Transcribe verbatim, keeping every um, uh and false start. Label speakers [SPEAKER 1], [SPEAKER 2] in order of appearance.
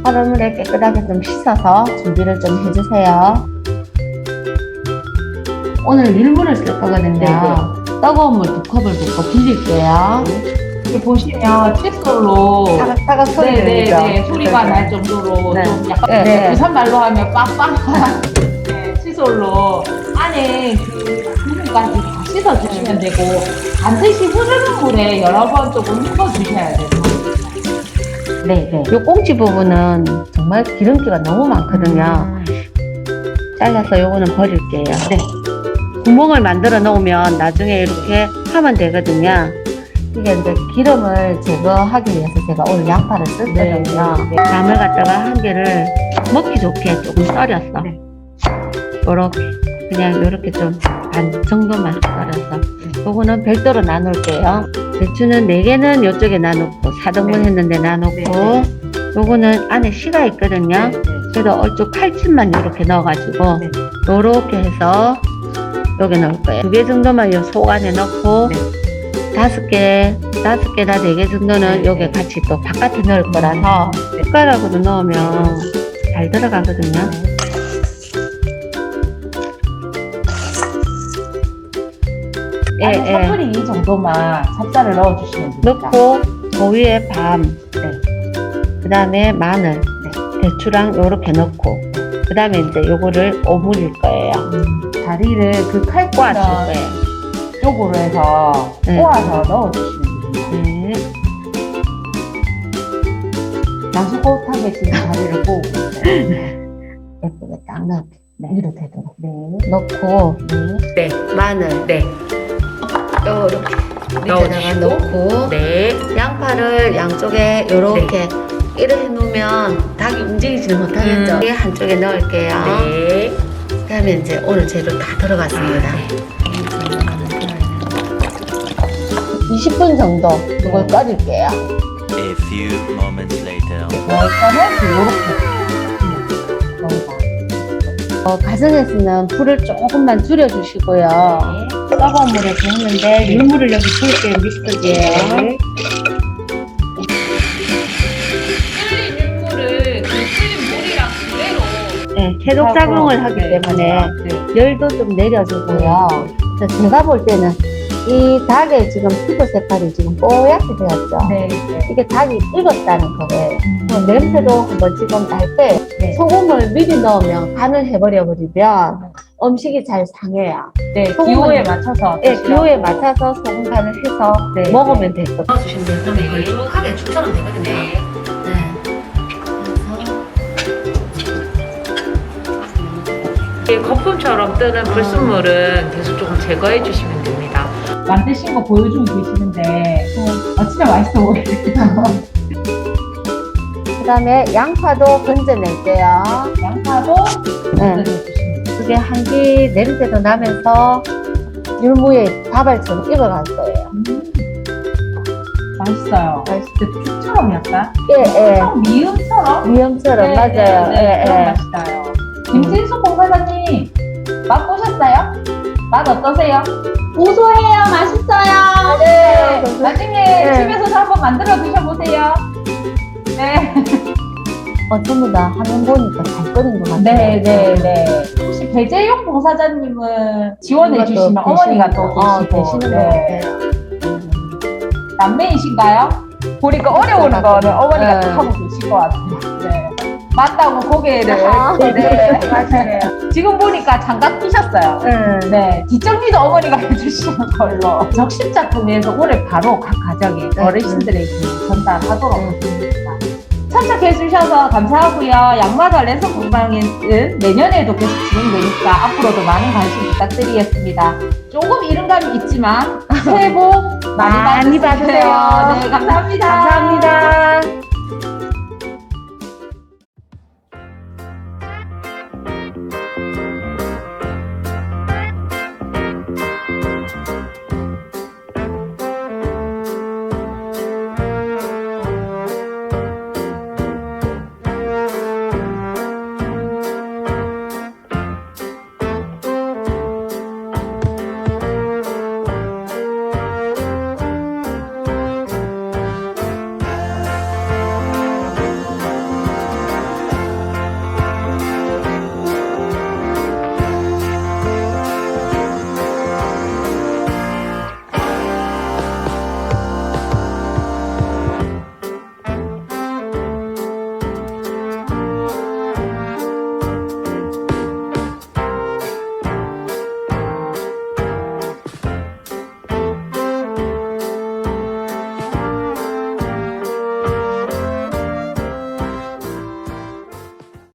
[SPEAKER 1] 찬물에 깨끗하게 좀 씻어서 준비를 좀 해주세요. 오늘 밀물을 쓸 거거든요.
[SPEAKER 2] 네네.
[SPEAKER 1] 뜨거운 물 두 컵을 붓고 빌릴게요.
[SPEAKER 2] 이렇게 보시면 칫솔로
[SPEAKER 1] 타각타각 소리 들리죠?
[SPEAKER 2] 네네네 소리가 날 정도로
[SPEAKER 1] 네.
[SPEAKER 2] 좀 약간
[SPEAKER 1] 네,
[SPEAKER 2] 네,
[SPEAKER 1] 네.
[SPEAKER 2] 부산말로 하면 빡빡한 네, 칫솔로 안에 그 부분까지 다 씻어주시면 되고 반드시 흐르는 물에 여러 번 조금 헹궈주셔야 돼요. 네네.
[SPEAKER 1] 요 꽁치 부분은 정말 기름기가 너무 많거든요.
[SPEAKER 2] 음.
[SPEAKER 1] 잘라서 요거는 버릴게요.
[SPEAKER 2] 네.
[SPEAKER 1] 구멍을 만들어 놓으면 나중에 이렇게 하면 되거든요. 이게 이제 기름을 제거하기 위해서 제가 오늘 양파를 썼거든요.
[SPEAKER 2] 네, 네.
[SPEAKER 1] 감을 갖다가 한 개를 먹기 좋게 조금 썰었어.
[SPEAKER 2] 네.
[SPEAKER 1] 요렇게 그냥 요렇게 좀 반 정도만 썰어서 요거는 별도로 나눌게요. 배추는 네 개는 요쪽에 나놓고 사 등분
[SPEAKER 2] 네.
[SPEAKER 1] 했는데 나놓고
[SPEAKER 2] 네,
[SPEAKER 1] 요거는 안에 씨가 있거든요.
[SPEAKER 2] 네.
[SPEAKER 1] 그래서 얼쭉 칼집만 이렇게 넣어가지고
[SPEAKER 2] 네.
[SPEAKER 1] 요렇게 해서 여기 넣을 거예요. 두 개 정도만 요 속 안에 넣고
[SPEAKER 2] 네.
[SPEAKER 1] 다섯 개, 다섯 개나 네 개 정도는
[SPEAKER 2] 네.
[SPEAKER 1] 요게 같이 또 바깥에 넣을 거라서
[SPEAKER 2] 네.
[SPEAKER 1] 숟가락으로 넣으면 잘 들어가거든요. 예,
[SPEAKER 2] 안에
[SPEAKER 1] 예.
[SPEAKER 2] 사투리 이 정도만 찹쌀을 넣어주시면 됩니다.
[SPEAKER 1] 넣고 그 위에 밤,
[SPEAKER 2] 네.
[SPEAKER 1] 그 다음에 마늘,
[SPEAKER 2] 네.
[SPEAKER 1] 배추랑 요렇게 넣고 그 다음에 이제 요거를 오므릴 거예요.
[SPEAKER 2] 음, 다리를 그 칼
[SPEAKER 1] 꼬아줄
[SPEAKER 2] 꽂는
[SPEAKER 1] 거예요.
[SPEAKER 2] 쪽으로 해서
[SPEAKER 1] 네.
[SPEAKER 2] 꼬아서 넣어주시면 됩니다.
[SPEAKER 1] 네.
[SPEAKER 2] 나수곳하게 지금 다리를 꼬고 있어요.
[SPEAKER 1] 예쁘게 딱 넣게.
[SPEAKER 2] 네.
[SPEAKER 1] 위로 되도록.
[SPEAKER 2] 네.
[SPEAKER 1] 넣고,
[SPEAKER 2] 네.
[SPEAKER 1] 네, 마늘,
[SPEAKER 2] 네.
[SPEAKER 1] 요렇게 밑에다가
[SPEAKER 2] 넣어주시고.
[SPEAKER 1] 넣고,
[SPEAKER 2] 네.
[SPEAKER 1] 양파를 양쪽에 요렇게 이렇게 놓으면 닭이 움직이지는 못하겠죠.
[SPEAKER 2] 음.
[SPEAKER 1] 이게 한쪽에 넣을게요.
[SPEAKER 2] 네.
[SPEAKER 1] 그 다음에 이제 오늘 재료 다 들어갔습니다.
[SPEAKER 2] 아, 네.
[SPEAKER 1] 이십 분 정도 이걸
[SPEAKER 2] 네.
[SPEAKER 1] 끓일게요.
[SPEAKER 3] A few moments later.
[SPEAKER 2] 여기서는 요렇게. 여기다.
[SPEAKER 1] 어, 가정에서는 불을 조금만 줄여주시고요.
[SPEAKER 2] 네.
[SPEAKER 1] 뜨거운 물에 붓는데 밀물을 여기 부을게요. 믹서기에.
[SPEAKER 2] 끓인 물을 그 끓인 물이랑 그대로
[SPEAKER 1] 네, 해독 작용을 하기
[SPEAKER 2] 네,
[SPEAKER 1] 때문에
[SPEAKER 2] 네.
[SPEAKER 1] 열도 좀 내려주고요. 그래서 제가 볼 때는 이 닭의 지금 피부 색깔이 지금 뽀얗게 되었죠.
[SPEAKER 2] 네. 네.
[SPEAKER 1] 이게 닭이 익었다는 거예요. 그 냄새도 한번 지금 날 때
[SPEAKER 2] 네.
[SPEAKER 1] 소금을 미리 넣으면 간을 해버려 버리면 음식이 잘 상해요.
[SPEAKER 2] 네.
[SPEAKER 1] 소금은-
[SPEAKER 2] 기호에 맞춰서.
[SPEAKER 1] 네,
[SPEAKER 2] 드시라고.
[SPEAKER 1] 기호에 맞춰서 소금 간을 해서
[SPEAKER 2] 네,
[SPEAKER 1] 먹으면 되거든요. 넣어주시면 돼요. 그러면 이걸 이렇게 죽처럼 되거든요.
[SPEAKER 2] 네.
[SPEAKER 1] 네.
[SPEAKER 4] 이 거품처럼 뜨는 불순물은 계속 조금 제거해 주시면 됩니다.
[SPEAKER 2] 만드신 거 보여주고 계시는데 아, 진짜 맛있어 보이네요.
[SPEAKER 1] 그 다음에 양파도 건져낼게요.
[SPEAKER 2] 양파도
[SPEAKER 1] 네.
[SPEAKER 2] 넣어주시면 돼요.
[SPEAKER 1] 그게 향기 냄새도 나면서 율무에 밥알처럼 익어갈 거예요.
[SPEAKER 2] 음. 맛있어요.
[SPEAKER 1] 맛있-
[SPEAKER 2] 근데 죽처럼 약간
[SPEAKER 1] 예, 예.
[SPEAKER 2] 엄청 미음처럼
[SPEAKER 1] 미음처럼
[SPEAKER 2] 네,
[SPEAKER 1] 맞아요.
[SPEAKER 2] 네, 네,
[SPEAKER 1] 예,
[SPEAKER 2] 그런
[SPEAKER 1] 예.
[SPEAKER 2] 맛이 나요. 김진수 공사장님 맛보셨어요? 맛 어떠세요? 고소해요. 맛있어요.
[SPEAKER 1] 네.
[SPEAKER 2] 나중에
[SPEAKER 1] 네.
[SPEAKER 2] 집에서도 한번 만들어 드셔보세요. 네.
[SPEAKER 1] 어, 전부 다 화면 보니까 잘 끓인 것 같아요.
[SPEAKER 2] 네, 네, 네. 혹시 배재용 봉사자님을 지원해 주시면
[SPEAKER 1] 또
[SPEAKER 2] 어머니가 또
[SPEAKER 1] 어,
[SPEAKER 2] 계시고
[SPEAKER 1] 계시는
[SPEAKER 2] 네.
[SPEAKER 1] 것 같아요.
[SPEAKER 2] 남매이신가요? 보니까 어려운 거는 어머니가
[SPEAKER 1] 네.
[SPEAKER 2] 또 하고 계실 것 같아요. 네. 맞다고 고개를
[SPEAKER 1] 아,
[SPEAKER 2] 네, 맞아요. 지금 보니까 장갑 끼셨어요.
[SPEAKER 1] 응.
[SPEAKER 2] 네, 뒷정리도 어머니가 해주시는 걸로 적심 작품에서 올해 바로 각 가정에
[SPEAKER 1] 네.
[SPEAKER 2] 어르신들에게 전달하도록
[SPEAKER 1] 네.
[SPEAKER 2] 하겠습니다. 참석해 주셔서 감사하고요. 양마다 랜선 공방은 내년에도 계속 진행되니까 앞으로도 많은 관심 부탁드리겠습니다. 조금 이른감이 있지만 새해 복 많이,
[SPEAKER 1] 많이
[SPEAKER 2] 받으세요.
[SPEAKER 1] 받으세요.
[SPEAKER 2] 네, 감사합니다.
[SPEAKER 1] 감사합니다.